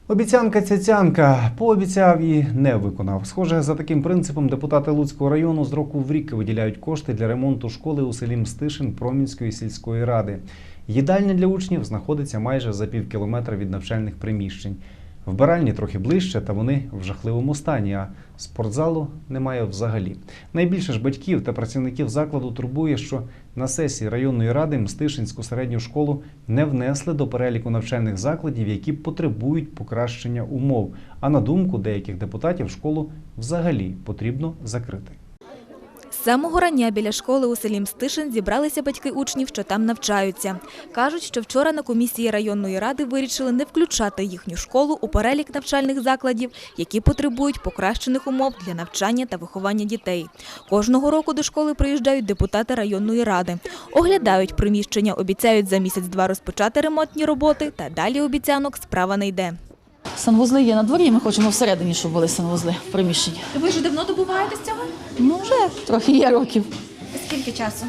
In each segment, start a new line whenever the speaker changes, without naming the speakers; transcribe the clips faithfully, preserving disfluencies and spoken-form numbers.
Обіцянка-цяцянка. Пообіцяв і не виконав. Схоже, за таким принципом депутати Луцького району з року в рік виділяють кошти для ремонту школи у селі Мстишин Промінської сільської ради. Їдальня для учнів знаходиться майже за пів кілометра від навчальних приміщень. Вбиральні трохи ближче, та вони в жахливому стані, а спортзалу немає взагалі. Найбільше ж батьків та працівників закладу турбує, що на сесії районної ради Мстишинську середню школу не внесли до переліку навчальних закладів, які потребують покращення умов. А на думку деяких депутатів, школу взагалі потрібно закрити.
З самого рання біля школи у селі Мстишин зібралися батьки учнів, що там навчаються. Кажуть, що вчора на комісії районної ради вирішили не включати їхню школу у перелік навчальних закладів, які потребують покращених умов для навчання та виховання дітей. Кожного року до школи приїжджають депутати районної ради. Оглядають приміщення, обіцяють за місяць-два розпочати ремонтні роботи, та далі обіцянок справа не йде.
Санвузли є на дворі, ми хочемо всередині, щоб були санвузли в приміщенні.
Ви вже давно добуваєтесь цього?
Ну, вже трохи є років.
Скільки часу?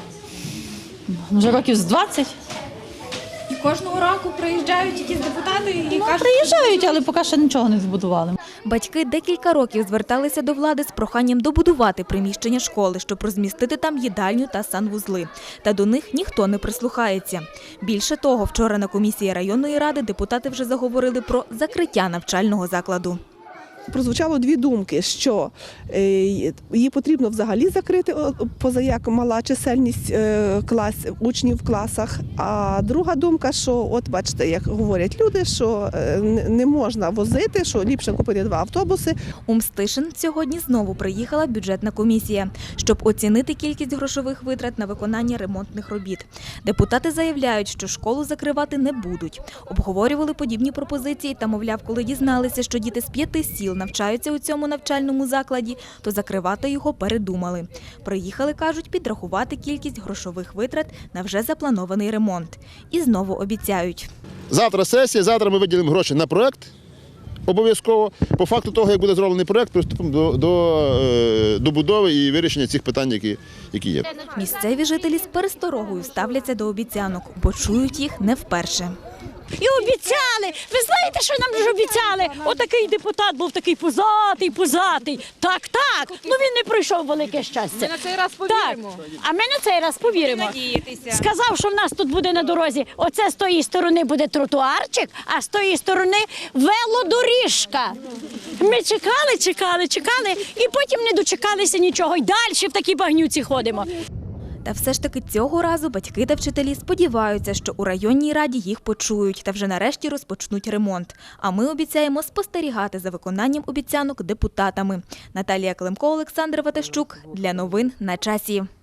Вже років з двадцять.
І кожного року приїжджають якісь депутати і
Ну, приїжджають, але поки ще нічого не збудували.
Батьки декілька років зверталися до влади з проханням добудувати приміщення школи, щоб розмістити там їдальню та санвузли. Та до них ніхто не прислухається. Більше того, вчора на комісії районної ради депутати вже заговорили про закриття навчального закладу.
Прозвучало дві думки, що її потрібно взагалі закрити, поза як мала чисельність клас, учнів в класах. А друга думка, що, от бачите, як говорять люди, що не можна возити, що ліпше купити два автобуси.
У Мстишин сьогодні знову приїхала бюджетна комісія, щоб оцінити кількість грошових витрат на виконання ремонтних робіт. Депутати заявляють, що школу закривати не будуть. Обговорювали подібні пропозиції та, мовляв, коли дізналися, що діти з п'яти сіл навчаються у цьому навчальному закладі, то закривати його передумали. Приїхали, кажуть, підрахувати кількість грошових витрат на вже запланований ремонт. І знову обіцяють.
Завтра сесія, завтра ми виділимо гроші на проєкт, обов'язково. По факту того, як буде зроблений проєкт, приступимо до, до, до будови і вирішення цих питань, які, які є.
Місцеві жителі з пересторогою ставляться до обіцянок, бо чують їх не вперше.
І обіцяли. Ви знаєте, що нам ж обіцяли? Отакий депутат був такий пузатий, пузатий. Так, так. Ну він не пройшов велике щастя.
Ми на цей раз повіримо.
Так. А ми на цей раз повіримо. Сказав, що в нас тут буде на дорозі. Оце з тої сторони буде тротуарчик, а з тої сторони велодоріжка. Ми чекали, чекали, чекали і потім не дочекалися нічого. І далі в такій багнюці ходимо.
Та все ж таки цього разу батьки та вчителі сподіваються, що у районній раді їх почують та вже нарешті розпочнуть ремонт. А ми обіцяємо спостерігати за виконанням обіцянок депутатами. Наталія Климко, Олександр Ватащук. Для новин на часі.